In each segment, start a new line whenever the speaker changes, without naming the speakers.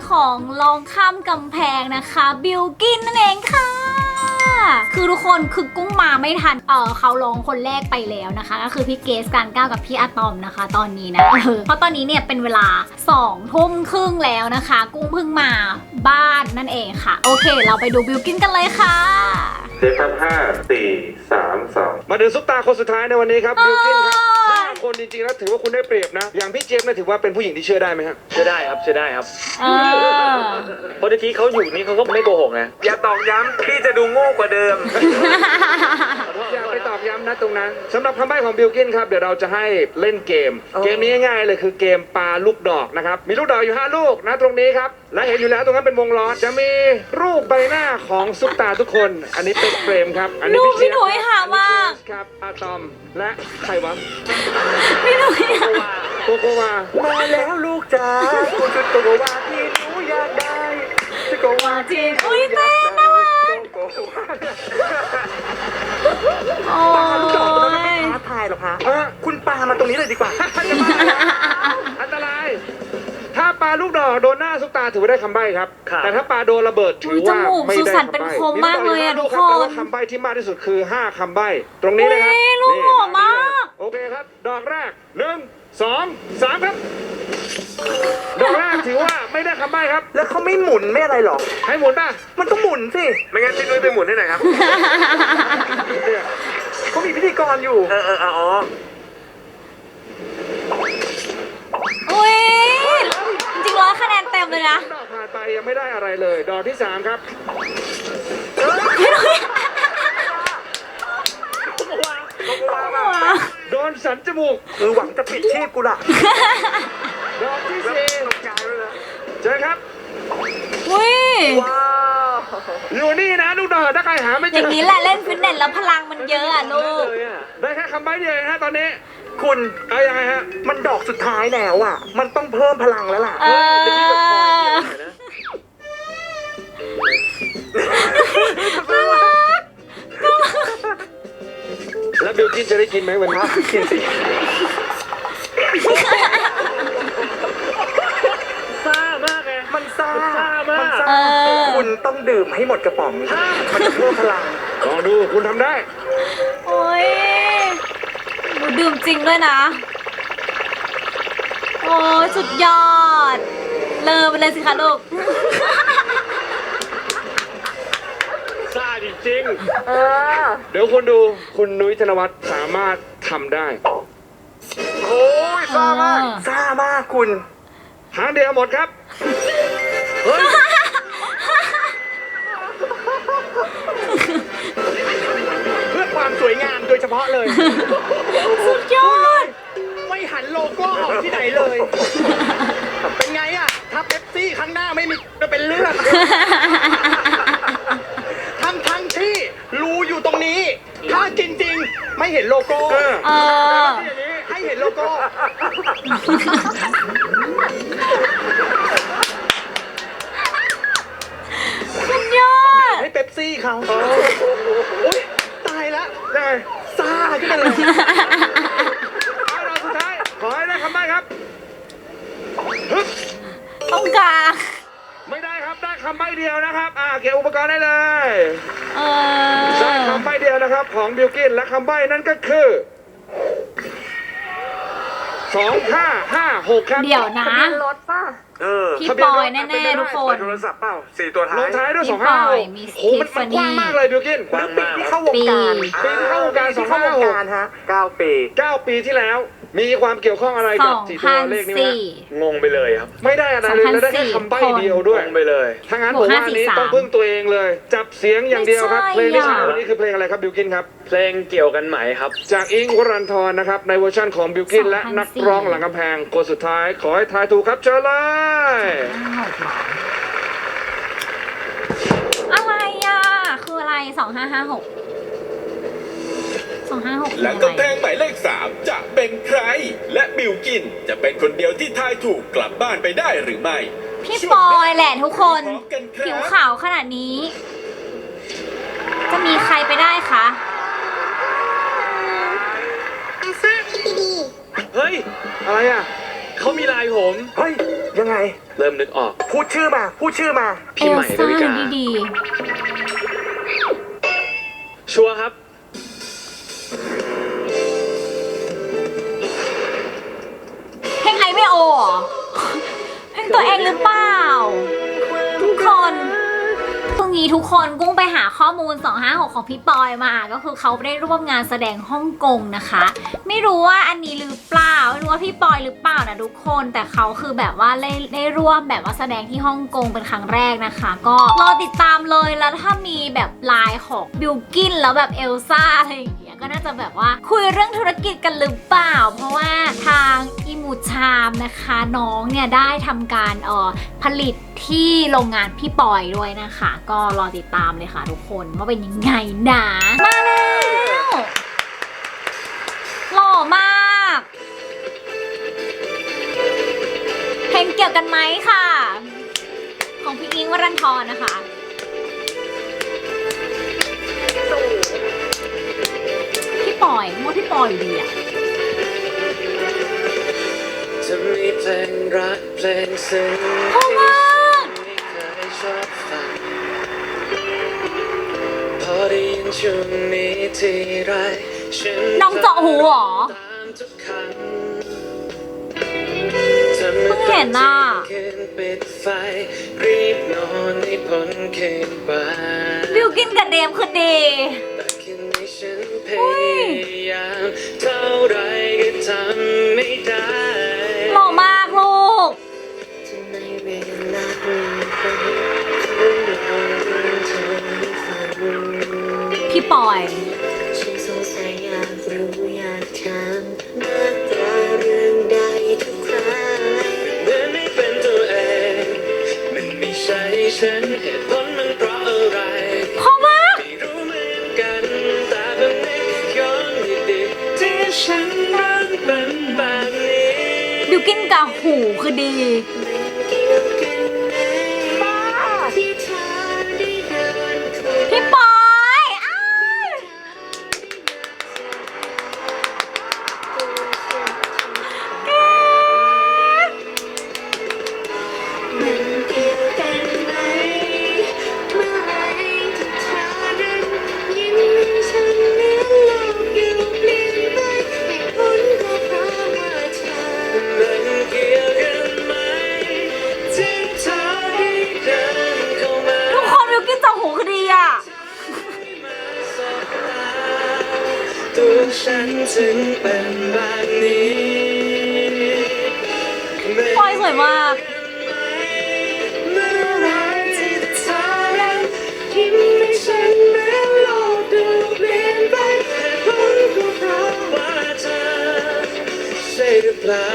ของลองข้ามกำแพงนะคะบิลกินนั่นเองค่ะคือทุกคนคือกุ้งมาไม่ทันเขาร้องคนแรกไปแล้วนะคะก็คือพี่เกสการก้าวกับพี่อะตอมนะคะ ตอนนี้นะเพราะตอนนี้เนี่ยเป็นเวลา2 ทุ่มครึ่งแล้วนะคะ กุ้งเพิ่งมาบ้านนั่นเองค่ะโอเคเราไปดูบิลกินกันเลยค่ะ
เซฟครับ5 4 3 2
มาถึงซุปตาคนสุดท้ายในวันนี้ครับบิลกินครับ5 คนจริงๆแล้วถือว่าคุณได้เปรียบนะอย่างพี่เจี๊ยบเนี่ยถือว่าเป็นผู้หญิงที่เชื่อได้ไหมครับ
เชื่อได้ครับเชื่อได้ครับ
เออ
เพราะที่เขาอยู่นี่เขาก็ไม่โกหกนะ
อย่าตอกย้ำพี่จะดูโง่กว่าเดิม
อย่าไปตอกย้ำนะตรงนั้นสำหรับคำใบ้ของบิลกินครับเดี๋ยวเราจะให้เล่นเกมเกมนี้ง่ายๆเลยคือเกมปาลูกดอกนะครับมีลูกดอกอยู่5 ลูกนะตรงนี้ครับและเห็นอยู่แล้วตรงนั้นเป็นวงล้อจะมีรูปใบหน้าของซุปตาทุกคนอันนี้เป็นเฟรมครับอันนี้
รูปพี่
เจี๊ยบ
หนุ่ยหามาก
ครับอะตอมและใครวะ
พี่หนุ่ย
โกโกวา
มาแล้วลูกจ๋าคุณชุดโกโกวาที่หนูอยากได้ชุดโกโกวาที่หนู
อุ้ย
อยา
เต้
ก
น
ได้
น่ารัก
โกโกวา
โอ้
ปาลูกดอกตรงนั้นไม่
ย
ท้าทายหรอกฮะคุณปามาตรงนี้เลยดีกว่า
อันตรายถ้าปลาลูกดอกโดนหน้าซุปตาถือว่าได้คำใบ้ครับ
ครับ
แต่ถ้าปลาโดนระเบิดถือว่า
จมูก
ไม่
สุ
ได้
สาน
คำ
เป็น
ใบ้
คมมากเลยอะ
มี
ทุก
ลู
ค
ดอก
น
แต่ว่าคำใบ้ที่มากที่สุดคือ5 คำใบ้ตรงนี้นะครับ
อุ๊ยลูกหล่อมาก
โอเคครับดอกแรก1 2 3ครับดอกแรกถือว่าไม่ได้คำใบ้ครับ
แล้วเขาไม่หมุนไม่อะไรหรอ
ให้หมุนป่ะ
มันต้องหมุนสิ
ไม่งั้นพี่นุ้ยไปหมุนให้หน่อยครับเนี่ย
เขามีพิธีกรอยู่อ๋อ
อุ้ยจริงๆ100 คะแนนเต็มเลยนะ
ดอกผ่านไปยังไม่ได้อะไรเลย ดอกที่ 3 ครับ
พี่หนุ่ย
โดนสันจมูก
หวังจะปิดชีพกูล่ะ
ดอกที่
ตก
4
ใจเลยนะ
เจอครับ
อุ้ย
ว้าว
อยู่นี่นะลูกดอกถ้าใครหาไม่เจ
อย่างนี้แหละเล่นฟิตเนสแล้วพลังมันเยอะอะลูก
เลยอ่ะ
ได้แค่คำใบ้เดียวเองฮะตอนนี้
คุณ
เอายังไงฮะ
มันดอกสุดท้ายแล้วอ่ะ มันต้องเพิ่มพลังแล้วล่ะ
เออ
แล้วบิลกินจะได้กินไหมวันนี้
กินสิ
ซ่ามากไง
มันซ่า
มันซ่ามาก
มันซ่า
เออ
คุณต้องดื่มให้หมดกระป๋อง มันจะเพิ่มพลัง
ลองดูคุณทำได้
โอ้ยหนูดื่มจริงด้วยนะ โอ้ยสุดยอด เลอไปเลยสิคะลูก
ซ่าจริง
เดี๋ยวคุณดูคุณนุ้ยธนวัฒน์สามารถทำได้
โอ้ยซ่ามาก ซ่ามากคุณ
ทางเดียวหมดครับ
เพื่อความสวยงามโดยเฉพาะเลย
สุดยอด
ไม่หันโลโก้ออกที่ไหนเลย เป็นไงอ่ะ ถ้าเป๊ปซี่ข้างหน้าไม่มีจะเป็นเลือด ทั้งที่รูอยู่ตรงนี้ ถ้าจริงๆ ไม่เห็นโลโก้
เออ
เออ
ให้เห็นโลโก้
สุดยอด
ให้เป๊ปซี่เขาโอ๊ยตายแล้ว
ได้ไง
ซ่าขึ้นมาเลย
เอาดอกสุดท้าย ขอให้ได้คำใบ้ครับฮึบ
ต้องกลาง
ไม่ได้ครับ ได้คำใบ้เดียวนะครับ เก็บอุปกรณ์ได้เลย
เอ
ได้
อ
คำใบ้เดียวนะครับของบิลกินและคำใบ้นั่นก็คือ2556ครับ
เดี๋ยวนะ
รถป่ะ
พี่ปอยแน่ๆทุกคน
โทรศัพท์เปล่า4 ตัวท้าย
ลงท้ายด้วย
พี่ปอยมี
256โอ้โหมันกว้างมากเลยบิลกิน
ๆกว้างมาก
ที่เข้าวงการ
ปีที่เข้าวงการ
ที่เข้าวงการฮะ9 ปี
9 ปีที่แล้ว มีความเกี่ยวข้องอะไรกับ4 ตัวเลขนี้ไหมฮะ
2004
งงไปเลยครับ
ไม่ได้อะไรเลยแล้วได้แค่คำใบ้เดียวด้วย
งงไปเลย
ถ้างั้น
บ
ผ
วก
มว่าอันนี้
543
ต้องพึ่งตัวเองเลย จับเสียงอย่างเดียวครับ เพล
ไม่
ง
ใช่
ที่ใช้
อ่ะ
วันนี้คือเพลงอะไรครับบิลกินครับ
เพลงเกี่ยวกันไหมครับ
จากอิงค์วรันทรนะครับ ในเวอร์ชันของบิลกินและนักร้องหลังกำแพงคนสุดท้าย ขอให้ทายถูกครับเชิญเลย
อะไรอ่ะ คืออะไร 2556 2556
หลังกำแพงหมายเลข 3 จะเป็นใคร และบิลกินจะเป็นคนเดียวที่ทายถูกกลับบ้านไปได้หรือไม่
พี่ปอยแหละทุกคน
พร้อมกันค
ผิว
รับ
ขาวขนาดนี้ จะมีใครไปได้คะ
เฮ้ย
อะไรอ่ะ
เขามีลายผม
เฮ้ยยังไง
เริ่มนึกออก
พูดชื่อมา พูดชื่อมา
พี่ใหม่ดาวิกา
ดี
ชัวร์ครับ
เพลงไอไม่โอเหรอเพลงตัวเองหรือเปล่า ทุกคนพรุ่งนี้ทุกคนกุ้งไปหาข้อมูล 256 ของพี่ปอยมา ก็คือเขาได้ร่วมงานแสดงฮ่องกงนะคะ ไม่รู้ว่าอันนี้หรือเปล่าไม่รู้ว่าพี่ปอยหรือเปล่านะทุกคน แต่เขาคือแบบว่าได้ร่วมแบบว่าแสดงที่ฮ่องกงเป็นครั้งแรกนะคะ ก็รอติดตามเลยแล้วถ้ามีแบบไลน์ของบิลกินแล้วแบบเอลซ่าอะไรอย่างเงี้ยก็น่าจะแบบว่าคุยเรื่องธุรกิจกันหรือเปล่า เพราะว่าทางอิมูชามนะคะน้องเนี่ยได้ทำการผลิตที่โรงงานพี่ปอยด้วยนะคะ ก็รอติดตามเลยค่ะทุกคนว่าเป็นยังไงนะมาแล้วหล่อมากเพลงเกี่ยวกันไหมค่ะ ของพี่อิงค์วรันทรนะคะพี่ปอยว่าพี่ปอยอยู่ดีอะ
จะมีเพลงรักเพลงซึ้ง
เพราะว่า
ไม่เคยชอบฟังพอได้ยินช่วงนี้ทีไรฉัน
น้องเจาะหูเหรอ
ตามทุกครั้ง
เพิ่งเห็นน่ะ
คืนปิดไฟรีบนอนให้พ้นคืนไป
บิวกินกับเดมคือดี
แต่คืนนี้ฉันพยายามเท่าไรก็ทำไม่ได้
หล่อมากลูก
ในเวลาไปคืนนอนเธอให้ฝัน
พี่ปอย
ฉันสงสัยอยากรู้อยากถามมากกว่าเรื่องใดทุกครั้งเหมือนไม่เป็นตัวเองมันไม่ใช่ฉันเหตุผลมันเพราะอะไร
เพราะว่า
ไม่รู้เหมือนกันแต่แบบนี้ย้อนดีๆที่ฉันรักเป็นแบบนี้
บิวกินกับหูคือดี
เกี่ยวกันไหมที่เธอได้เดินเข้า
พี่ปอยอ้าย
มันเกี่ยวกันไหมเมื่อไหรที่เธอนั้นยิ้มให้ฉันเหมือนโลกอยู่เปลี่ยนไปเหตุผลก็เพราะว่าเธอมันเกี่ยวกันไหมที่เธอได้เดินเข้ามา
ทุกคนบิวกินกับหูคือดีอ่ะ
ตัวฉันถึงเป็นแบบนี้
ปอยสวยมาก
เมื่อไรที่เธอนั้นยิ้มให้ฉันเหมือนโลกดูเปลี่ยนไปเพราะก็เพราะว่าเธอใช่หรือเปล่า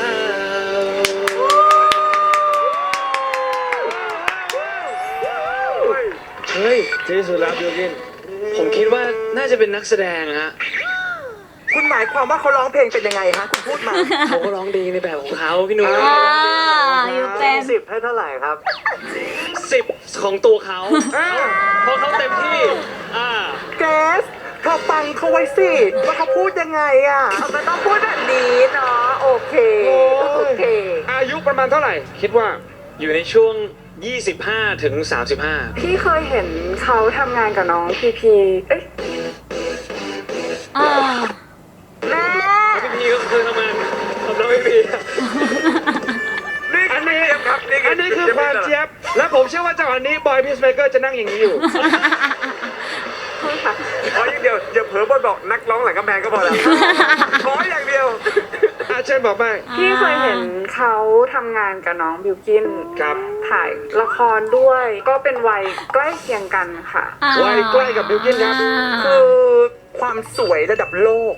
เฮ้ยที่สุดแล้วบิลกิน ผมคิดว่าน่าจะเป็นนักแสดงฮะ
คุณหมายความว่าเขาร้องเพลงเป็นยังไงฮะ คุณพูดมา
เขาก็ร้องดีในแบบของเขาพี่หนุ่ม
อยู่เป็น
10 ให้เท่าไหร่ครับ
10 ของตัวเขาเพราะเขาเต็มที่
เกสเธอฟังเขาไว้สิ ว่าเขาพูดยังไงอ่ะมันต้องพูดแบบนี้เนาะ โอเค โอเค
อายุประมาณเท่าไหร่ คิดว่า
อยู่ในช่วง 25 ถึง 35
พี่เคยเห็นเขาทำงานกับน้องพีพีเอ้ย
พี่ก็คือทำงานกับน้องพี่
อันนี้คือความเจี๊ยบ และผมเชื่อว่าจังหวะนี้บอยพีซเมเกอร์จะนั่งอย่างนี้อยู่
ขออย่างเดียวอย่าเผลอบนบอกนักร้องหลังกำแพงก็พอแล้ว ขออย่างเดียว
เชิญบอกไป
พี่เคยเห็นเขาทำงานกับน้องบิวกิน
ครับ
ถ่ายละครด้วย ก็เป็นวัยใกล้เคียงกันค่ะ
วัยใกล้กับบิลกินครับ
คือความสวยระดับโลก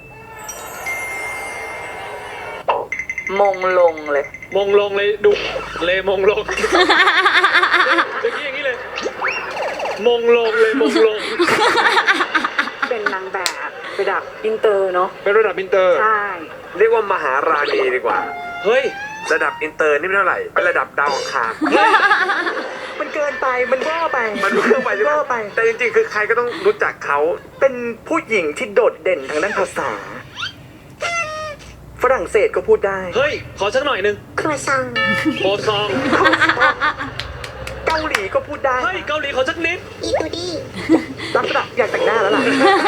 มงลงเลย
มงลงเลยดูเลยมงลงจะกี้อย่างนี้เลย มงลงเลยมงลง
เป็นนางแบบระดับอินเตอร์เนาะ
เป็นระดับอินเตอร์
ใช่
เรียกว่ามหาราณีดีกว่า
เฮ้ย
ระดับอินเตอร์นี่ไม่เท่าไหร่เป็นระดับดาวอังคารมันเกินไป มันเวอร์ไป มันเวอร์ไปเวอร์ไป แต่จริงๆ คือใครก็ต้องรู้จักเขา เป็นผู้หญิงที่โดดเด่นทางด้านภาษา ฝฝรั่งเศสก็พูดได้
เฮ้ย ขอสักหน่อยหนึง
ครัวซอง
โคซอง
เกาหลีก็พูดได้
เฮ้ย เกาหลีขอสักนิด
อีตูดี้
ลักษณะอยากแต่งหน้าแล้วล่ะ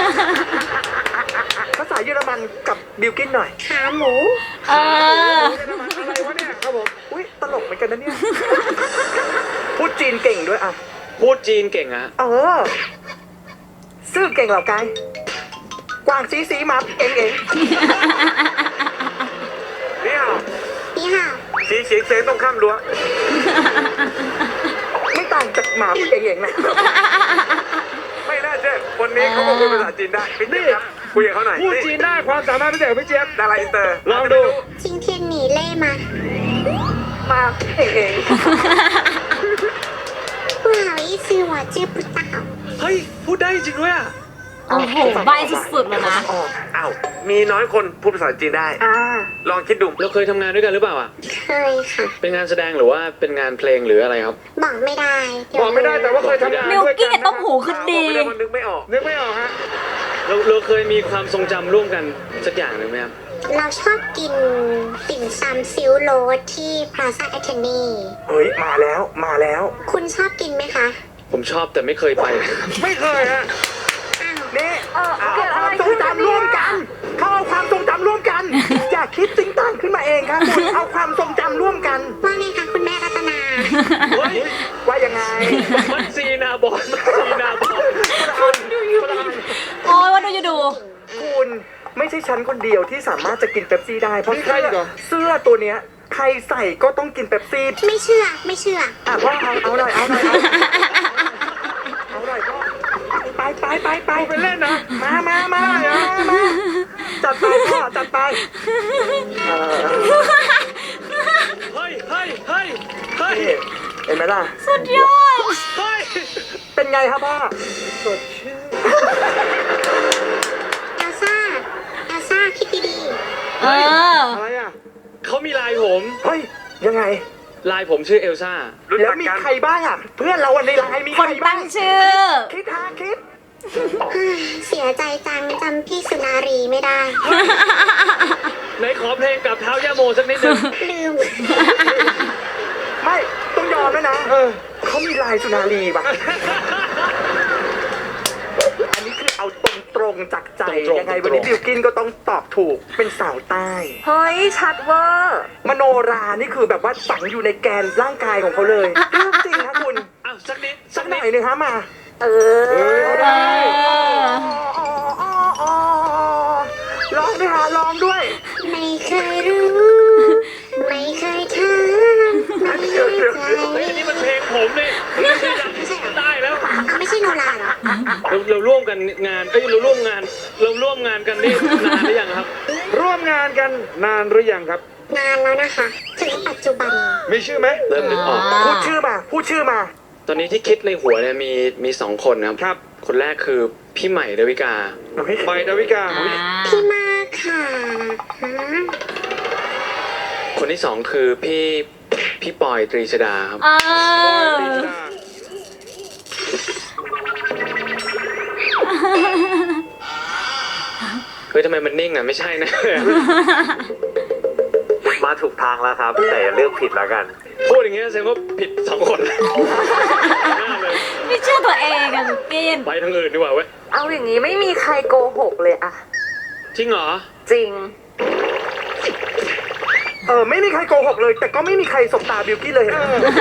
ภาษาเยอรมันกับบิลกินหน่อย
ขาหมู
เออ
อะไรวะเนี่ยครับผม
อุ้ยตลกเหมือนกันนะเนี่ย พูดจีนเก่งด้วยอ่ะ
พูดจีนเก่งอะ
เออ ซื่อเก่งเหล่ากายกวางซีซีมาเองเองเนี่ย
นี่ค่ะ
สีเฉียงเฉียงตรงข้ามรั้วไม่ต่างจากหมาเองเองนะ ไม่น่าเชื่อคนนี้เขาก็พูดภาษาจีนได้พี่เจี๊ยบครับคุยกับเขาหน่อย
พูดจีนได้ความสามารถพิเศษของพี่เจี๊ยบ
ดาราอินเตอร์
ลองดู
จิงเทียนหนีเล่มา
มาเองเอง
ผู้หาวิซื้อหัวจื้อปุตตา
เฮ้ย พูดได้จริงด้วยอะ
โอ้โหใบสุดๆเลยนะ
ออกอ้าวมีน้อยคนพูดภาษาจีนได้
อ่า
ลองคิดดู
เราเคยทำงานด้วยกันหรือเปล่าอะ
เคยค่ะ
เป็นงานแสดงหรือว่าเป็นงานเพลงหรืออะไรครับ
บอกไม่ได้เดี๋ยว
บอกไม่ได้แต่ว่าเคยทำงาน
บิล
ด้วย
กิ้
กัน
นต้มหูคือดี
ไม่ได้มันนึกไม่ออก
นึกไม่ออกฮะ
เราเคยมีความทรงจำร่วมกันสักอย่างหนึ่งไหมครับ
เราชอบกินติ่มซำซิลโรสที่พลาซ่าแอทเทนี
เฮ้ยมาแล้วมาแล้ว
คุณชอบกินไหมคะ
ผมชอบแต่ไม่เคยไป
ไม่เคยฮะ
อ้าว
นี่เอาความทรงจำร่วมกันเขาเอาความทรงจำร่วมกัน อย่าคิดสิ่งต่างขึ้นมาเองครับคุณเอาความทรงจำร่วมกัน
ว่าไงคะคุณแม่รัตนา
เฮ้ย
ว่ายังไง
มันซีนาบอลมันซีนาบอล
โอ้ยว่าดูอยู่ดู
คุณไม่ใช่ฉันคนเดียวที่สามารถจะกินเป๊ปซี่ได้เพราะ
มีใครอีกเหรอ
เสื้อตัวเนี้ยใครใส่ก็ต้องกินเป๊ปซี่
ไม่เชื่อไม่เชื่อ
อ่ะพ่อเอาหน่อยเอาหน่อยเอาหน่อยพ่อไปไปเล่นนะมาจัดไปพ่อจัดไป
เฮ้ยเฮ้ยเฮ้ยเฮ้ย
นี่เห็นไหมล่ะ
สุดยอด
เฮ้ย
เป็นไงครับพ่อสดชื่น
เอลซ่า เอลซ่าคิดดี
เออ
อะไรอ่ะ
เขามีไลน์ผม
เฮ้ยยังไง
ไลน์ผมชื่อเอลซ่า
แล้วมีใครบ้างอ่ะ เพื่อนเราวันในไลน์มี
ค
ใคร
น
บ้า
ตั้
ง
งชื่อ
คิดหาคิด
ๆ เสียใจจังจำพี่สุนารีไม่ได้
ไหนขอเพลงกับเท้าย่าโมสักนิดหนึง
ลืม
ไม่ต้องยอมแล้วนะ เขามีลายสุนารีป่ะ อันนี้คือเอาตรงๆจากใจ
ตรงๆ
ยังไงวันนี้บิวกินก็ต้องตอบถูกเป็นสาวใต้
เฮ้ย ชัดเวอร์
มโนรานี่คือแบบว่าฝังอยู่ในแกนร่างกายของเขาเลยเรื่องจริงนะคุณ
อ้าวสักนิด
สักหน่อยหนึงฮะมา
เออ
เออ
ร้องด้วยฮะร้องด้วย
ไม่เคยรู้ ไม่เคยถามไม่แน่ใจ
เฮ้ยนี่มันเพลงผมเลยไม่ใช่ดังได้แล้ว
เขาไม่ใช่โนราเหรอ
เราร่วมกันงานเราร่วมงานกันนี่นานหรือยังครับ
ร่วมงานกันนานหรือยังครับ
นานแล้วนะคะ ถึงปัจจุบัน
มีชื่อไหม
เริ่มนึกออก
พูดชื่อมา พูดชื่อมา
ตอนนี้ที่คิดในหัวเนี่ยมีสองคนนะครับ
ครับ
คนแรกคือพี่ใหม่ดาวิกา
ใบดาวิกา
พี่มากค่ะฮะ
คนที่สองคือพี่ปอยตรีชดาครับ
เออ
เฮ้ยทำไมมันนิ่งอ่ะไม่ใช่นะ
มาถูกทางแล้วครับ แต่อย่าเลือกผิดแล้วกัน
พูดอย่างเงี้ยแสดงว่าผิดสองคนหน้าเลย
ไม่เชื่อตัวเองอะบิลกิน
ไปทางอื่นดีกว่าเว้ย
เอาอย่างนี้ไม่มีใครโกหกเลยอะ
จริงเหรอ
จริง
ไม่มีใครโกหกเลย แต่ก็ไม่มีใครสบตาบิวกี้นเลยนะ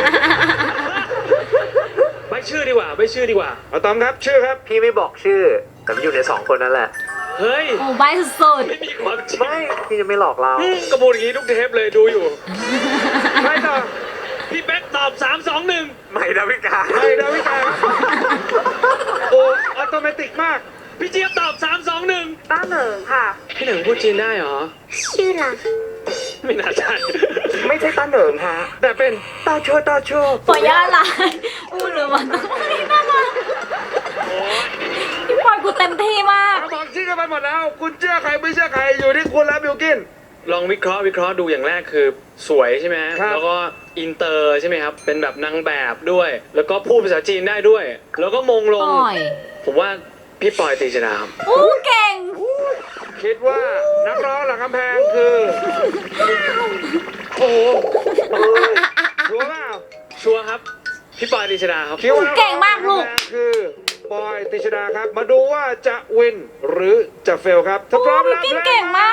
ใบชื่อดีกว่าใบชื่อดีกว่า
เอาตอมครับ ชื่อครับ
พี่ไม่บอกชื่อ แต่มันอยู่ในสองคนนั่นแหละ
เฮ้ย
โอ้ใบสุด
ไม่มีความจริง
ไม่ พี่จะไม่หลอกเรา
กระบูดอย่างงี้ทุกเทปเลยดูอยู่
ใครต่อ
พี่เป๊กตอบ3 2 1
ใหม่ดาวิกา
ใบดาวิกาครับโอ้อัตโนมัติมาก
พี่เจี๊ยบตอบ3 2
ต้าเหนิงค่ะ
1พี่หนึ่งพูดจีนได้เหรอ
ชื่อล่ะ
ไม่น่าใช่
ไม่ใช่ตาเหนิงฮะ
แต่เป็น
ตาโชตาโช
ๆปล่อยย่าลายอู้หรือมันนี่น่ารัก
โอ้ย
พี่ปอยกูเต็มที่มาก
เอาบอกชื่อกันไปหมดแล้ว คุณเชื่อใครไม่เชื่อใครอยู่ที่คุณแล้วบิวกิน
ลองวิเคราะห์ดูอย่างแรกคือสวยใช่ไหม
ครับ
แล้วก็อินเตอร์ใช่ไหมครับ เป็นแบบนางแบบด้วย แล้วก็พูดภาษาจีนได้ด้วย แล้วก็มงล
ป
ง
ล่อย
ผมว่าพี่ปอยตรีชดาครับ
อู้เก่ง
โอเคคิดว่านักร้องหลังกำแพงคือ โอ้โหรู้เปล่า
ชัวร์ครับ พี่ปอยติชดาครับ
คิดว่านั
เก่งมากลูก
ร้องหลังำแพงคือปอยติชดาครับ มาดูว่าจะวินหรือจะเฟลครับถ้าพร้อมแล้ว
บิวกิ้นเก่งมาก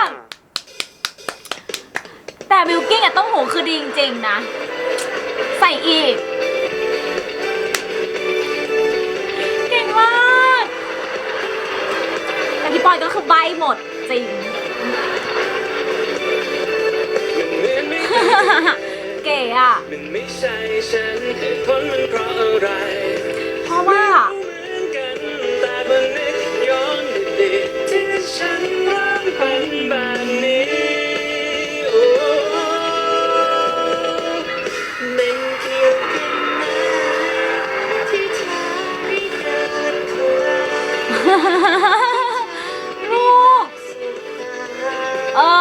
แต่บิวกิ้นกับต้องหูคือดีจริงๆนะ ใส่อีก เก่งมาก แต่พี่ปอยก็คือใบหมดจริง เก๋อะ
มันไม่ใช่ฉันเหตุผลมันเพราะอะไร
เพราะว่า
เหมือนกันแต่มันนึกย้อนดีๆที่ฉันเริ่มเป็นแบบนี้โอ้
มันเกี่ยวกันไหมที่เธอได้เดินเข้ามา
ลูก
สุดตา
เออ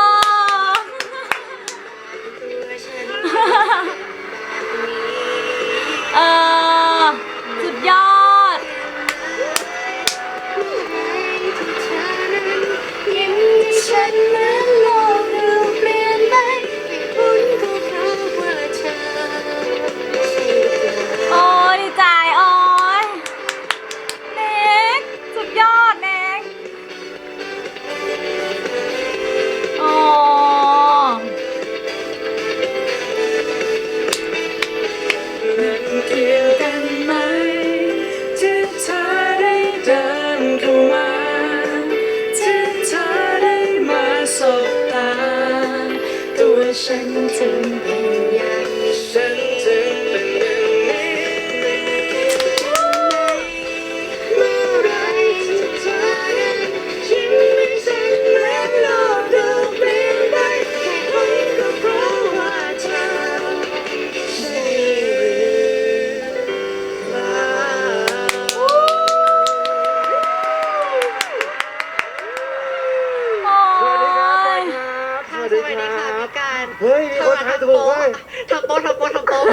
ตัวฉันแบบนี้
เออ สุดยอด
ที่เธอนั้นยิ้มให้ฉันเหมือนโลกดูเปลี่ยนไปเหตุผลก็เพราะว่าเธอใช่เธอ
โอ้ยดีใจโอ้ยเน็กสุดยอดเน็กโอ้
มันเกี่ยวกันไหมที่เธอได้เดินเข้ามาที่เธอได้มาสบตาตัวฉันถึงเป็นอย่างนี้ฉันถึงเป็นอย่างนี้
เมื่อไรที่เธอนั้นยิ้มให้ฉันเหมือนโลกดูเปลี่ยนไปเหตุผลก็เพราะว่าเธอใช่หรือเปล่า
โอ้
สวัสดีครับปอย
ย
ครับ
สวัสดีค่ะพี่การ
เฮ้ยมีคนทายถูกเว้ย
ทำโป๊ะ
ทุกคน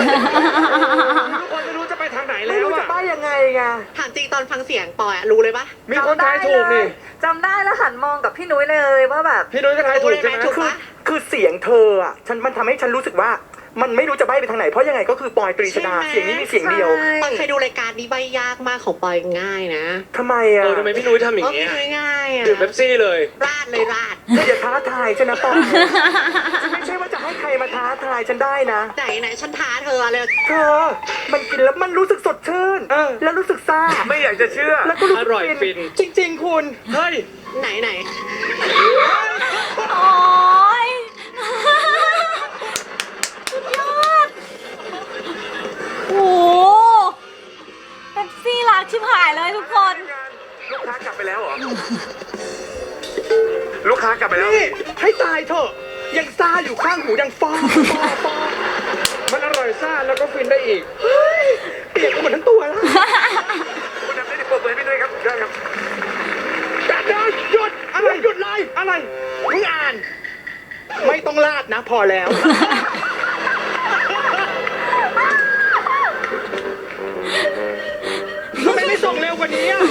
ไม่รู้จะไปทางไหน
ไม่
แล้ว
รู้จะ
อะ
ป้ายยังไงไง
ถามจริงตอนฟังเสียงปอยอะรู้เลยปะ
มีคนทายถูกนี่
จำได้แล้วหันมองกับพี่นุ้ยเลยว่าแบบ
พี่นุ้ยก็ทายถูกใช่ไหม
ถูก
คือ
ปะ
คือเสียงเธออ่ะมันทำให้ฉันรู้สึกว่า มันไม่รู้จะใบ้ไปทางไหนเพราะยังไงก็คือปอยตรีชดา
ใช่ไหม
เสียงนี้มีเสียงเดียว
ปอยเคยดูรายการนี้ใบยากมากของปอยง่ายนะ
ทำไมอ่ะ
ทำไมพี่นุ้ยทำอย่าง
เออ
เงี้ย
พี่ง่ายๆอะ
ดื่มเป๊ปซี่เลย
ราดเลยราด
เธออย่าท้าทายฉันนะปอยฉันไม่ใช่ว่าจะให้ใครมาท้าทายฉันได้นะ
ไหนฉันท้าเธอเลย
เธอ มันกินแล้วมันรู้สึกสดชื่น แล้วรู้สึกซ่า
ไม่อยากจะเชื่อ
แล้วก็รู้
อ
สึก
ร่อยฟิน
จริง ๆ คุณ
เฮ้ย
ไหน
โอ้ยสุดยอดโอ้โหเป๊ปซี่รักชิบหายเลยทุกคน
ลูกค้ากลับไปแล้วเหรอ ลูกค้ากลับไปแล้ว
นี่ให้ตายเถอะ ยังซ่าอยู่ข้างหูยังฟอ
มันอร่อยซ่าแล้วก็ฟินได้อีก
เปียกหมดทั้งตัวแล้ว
คุณทำได้ดีปรบมือให้พี่ด้วยครับได้ครับ
การเดินหยุดอะไรหยุดเลยอะไรมึงอ่าน ไม่ต้องลาดนะพอแล้ว ทำไมไม่ส่งเร็วกว่านี้อ่ะ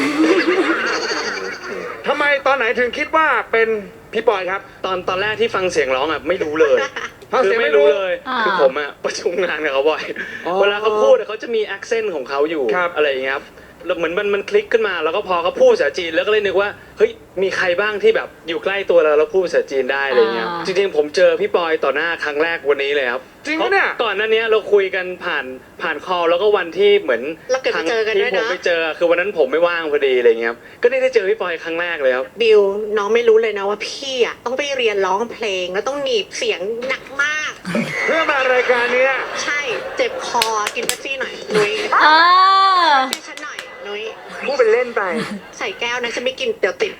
ทำไมตอนไหนถึงคิดว่าเป็นพี่ปอยครับ
ตอนแรกที่ฟังเสียงร้องอะไม่รู้เลย
ฟัง
คื
เสียง
อ
ไม่
ไม่
รู้
รู้เลย
อ่า
คือผมอะประชุมงานกับเขาบ่อย
อ๋อ
เวลาเขาพูดอะเขาจะมีแอคเซนต์ของเขาอยู่
ครับ
อะไรอย่างเงี้ยครับแล้วเหมือนมันคลิกขึ้นมาแล้วก็พอเขาพูดภาษาจีนแล้วก็เลยนึกว่าเฮ้ยมีใครบ้างที่แบบอยู่ใกล้ตัวเราแล้วพูดภาษาจีนได้อะไรเงี้ย
อ่า
จริงๆผมเจอพี่ปอยต่อหน้าครั้งแรกวันนี้เลยครับ
จริงปะเนี่ย
ก่อนหน้านี้เราคุยกันผ่านคอลแล้วก็วันที่เหมือน
เราเกิดไปเจอกันด้วย
ที่ผม
นะ
ไปเจอคือวันนั้นผมไม่ว่างพอดีอะไรเงี้ยครับก็ได้เจอพี่ปอยครั้งแรกเลยครับ
บิวน้องไม่รู้เลยนะว่าพี่อะต้องไปเรียนร้องเพลงแล้วต้องหนีบเสียงหนักมาก
เพื่อมารายการเนี้ย
ใช่เจ็บคอกินเป๊ปซี่หน่อยนุ้ย
เออ
ช่วยฉันหน่อยนุ้ย
พูดเป็นเล่นไป
ใส่แก้วนะฉันไม่กินเดี๋ยวติด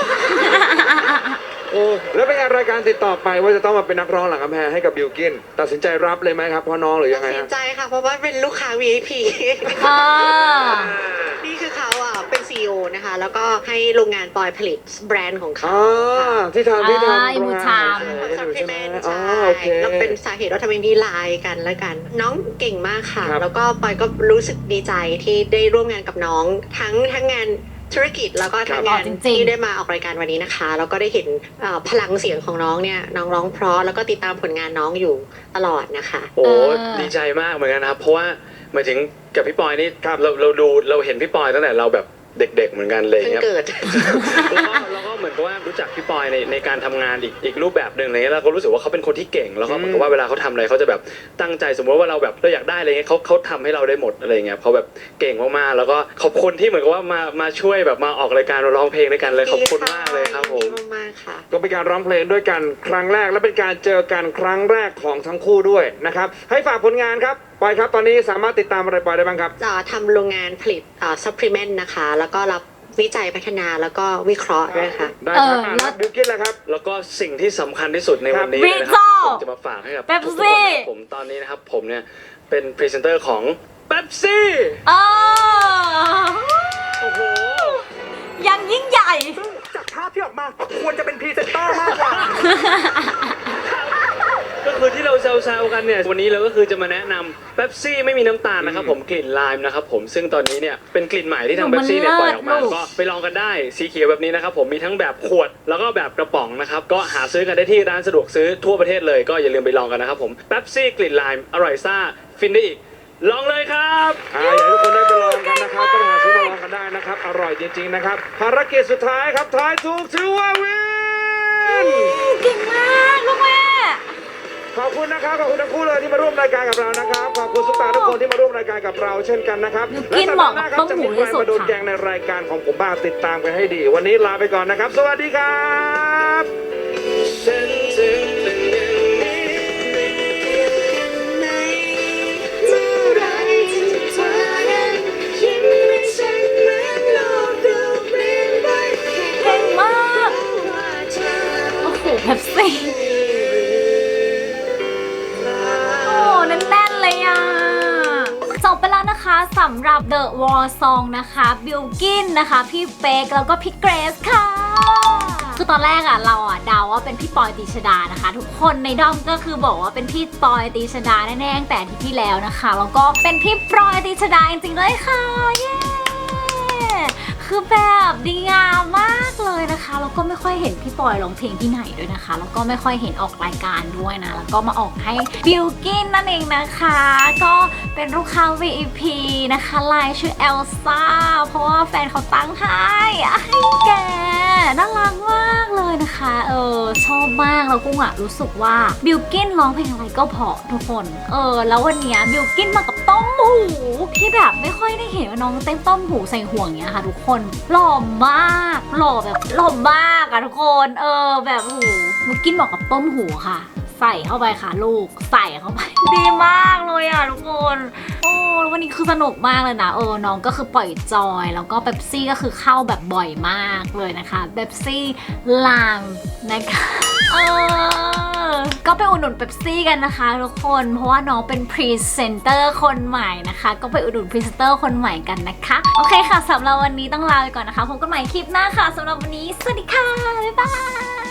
โอ้แล้วเป็นไงรายการติดต่อไปว่าจะต้องมาเป็นนักร้องหลังกำแพงให้กับบิลกินตัดสินใจรับเลยไหมครับพ่อน้องหรือยังไง
ตัดสิ
ฮะ
นใจค่ะ เพราะว่าเป็นลูกค้า VIP
อ่า
นี่คือเขาอ่ะเป็น CEO นะคะ แล้วก็ให้โรงงานปอยผลิตแบรนด์ของเขา
อ๋อที่ทำ
อ่า
โรงงาน
Imutam
ใช่
ซัพพลีเมนต์
อ๋อ
ใช่
โอเค
แล้วเป็นสาเหตุว่าทำไมมีไลน์กันแล้วกัน น้องเก่งมากค่ะ
ครับ
แล้วก็ปอยก็รู้สึกดีใจที่ได้ร่วมงานกับน้องทั้งงานธุรกิจแล้วก็ทำงานที่ได้มาออกรายการวันนี้นะคะแล้วก็ได้เห็นพลังเสียงของน้องเนี่ยน้องร้องเพราะแล้วก็ติดตามผลงานน้องอยู่ตลอดนะคะ
โอ้ดีใจมากเหมือนกันนะครับเพราะว่าหมายถึงกับพี่ปอยนี่เราเห็นพี่ปอยตั้งแต่เราแบบเด็กๆเหมือนกันเลย
เพิ่ง
ครับ
เกิด
แล้วก็เหมือนกับว่ารู้จักพี่ปอยในการทำงานอีกรูปแบบหนึ่งอะไรเงี้ยแล้วก็รู้สึกว่าเขาเป็นคนที่เก่งแล้วก็เหมือนกับว่าเวลาเขาทำอะไรเขาจะแบบตั้งใจสมมติว่าเราแบบเราอยากได้อะไรเงี้ยเขาทำให้เราได้หมดอะไรเงี้ยเขาแบบเก่งมากๆแล้วก็ขอบคุณที่เหมือนกับว่ามาช่วยแบบมาออกรายการร้องเพลงด้วยกันเลยขอบคุณมากเลยครับผม
ดีมากๆค่ะ
ก็เป็นการร้องเพลงด้วยกันครั้งแรกและเป็นการเจอกันครั้งแรกของทั้งคู่ด้วยนะครับให้ฝากผลงานครับปอยครับตอนนี้สามารถติดตามอะไรปอยได้บ้างครับ
จะทำโรงงานผลิตซัพพลีเมนต์นะคะแล้วก็รับวิจัยพัฒนาแล้วก็วิเคราะห์ด้วยค่ะ
ได้ครับแล้วบิวกิ้นแล้วครับ
แล้วก็สิ่งที่สำคัญที่สุดในวันนี้
ครับ
เลยนะครับที่ผมจะมาฝากให้กับ
เป๊ป
ทุกๆคน
ซี่
นะครับผมตอนนี้นะครับผมเนี่ยเป็นพรีเซนเตอร์ของเป๊ปซี่
เออ
โอ้โห
ยังยิ่งใหญ่
จากภาพที่ออกมาควรจะเป็นพรีเซนเตอร์มากกว่า
ก็คือที่เราแซวๆกันเนี่ยวันนี้เราก็คือจะมาแนะนำเป๊ปซี่ไม่มีน้ำตาลนะครับผมกลิ่นไลม์นะครับผมซึ่งตอนนี้เนี่ยเป็นกลิ่นใหม่ที่ทางเป๊ปซี่เนี่ยปล่อยออกมาก็ไปลองกันได้สีเขียวแบบนี้นะครับผมมีทั้งแบบขวดแล้วก็แบบกระป๋องนะครับก็หาซื้อกันได้ที่ร้านสะดวกซื้อทั่วประเทศเลยก็อย่าลืมไปลองกันนะครับผมเป๊ปซี่กลิ่นไลม์อร่อยซ่าฟินได้อีกลองเลยครับ
อยากให้ทุกคนได้ไปลองกันนะครับก็หาซื้อมาลองกันได้นะครับอร่อยจริงๆนะครับภารกิจสุดท้ายครับทายถูกถือว่าวิน
เก่งมากลูกแม่
ขอบคุณนะครับขอบคุณทั้งคู่เลยที่มาร่วมรายการกับเรานะครับขอบคุณซุปตาทุกคนที่มาร่วมรายการกับเราเช่นกันนะครับ
กินเหมาะกับต้มหูที่สุด
จะมีใครมาโดน
ค่ะ
แกงในรายการของผมบ้างติดตามกันให้ดี วันนี้ลาไปก่อนนะครับ สวัสดีครับ
ฉันจึงเป็นอย่างนี้
ไหนเมื่อไรที่เธอนั้นยิ้มให้ฉันเหมือนโลกดูเปลี่ยนไป
เก่งมาก
ว่าเธอ
โอ้โหเป๊ปซี่โอ้แน่นๆเลยอ่ะจบไปแล้วนะคะสำหรับ The War Song นะคะบิลกินนะคะพี่เป๊กแล้วก็พี่เกรซค่ะคือตอนแรกอะเราอะเดาว่าเป็นพี่ปอยตีชดานะคะทุกคนในด้อมก็คือบอกว่าเป็นพี่ปอยตีชดาแน่ๆตั้งแต่อาทิตย์ที่แล้วนะคะแล้วก็เป็นพี่ปอยตีชดาจริงๆด้วยค่ะเย้คือแบบดีงามมากเลยนะคะแล้วก็ไม่ค่อยเห็นพี่ปอยร้องเพลงที่ไหนด้วยนะคะแล้วก็ไม่ค่อยเห็นออกรายการด้วยนะแล้วก็มาออกให้บิลกินนั่นเองนะคะก็เป็นลูกค้า VIP นะคะไลน์ชื่อเอลซ่าเพราะว่าแฟนเขาตั้งให้แกน่ารักมากเลยนะคะชอบมากแล้วกุ้งอะรู้สึกว่าบิลกินร้องเพลงอะไรก็เพราะทุกคนแล้ววันนี้บิลกินมากับต้มหูที่แบบไม่ค่อยได้เห็นว่าน้องเต้นต้มหูใส่ห่วงเนี้ยค่ะทุกคนหล่อมากหล่อแบบหล่อมากอะทุกคนแบบหูบิลกินบอกกับต้มหูค่ะใส่เข้าไปค่ะลูกใส่เข้าไป ดีมากเลยอะทุกคนวันนี้คือสนุกมากเลยนะน้องก็คือปล่อยจอยแล้วก็เป๊ปซี่ก็คือเข้าแบบบ่อยมากเลยนะคะเป๊ปซี่ลามนะคะก็ไปอุดหนุนเป๊ปซี่กันนะคะทุกคนเพราะว่าน้องเป็นพรีเซนเตอร์คนใหม่นะคะก็ไปอุดหนุนพรีเซนเตอร์คนใหม่กันนะคะโอเคค่ะสำหรับวันนี้ต้องลาไปก่อนนะคะพบกันใหม่คลิปหน้าค่ะสำหรับวันนี้สวัสดีค่ะบ๊ายบาย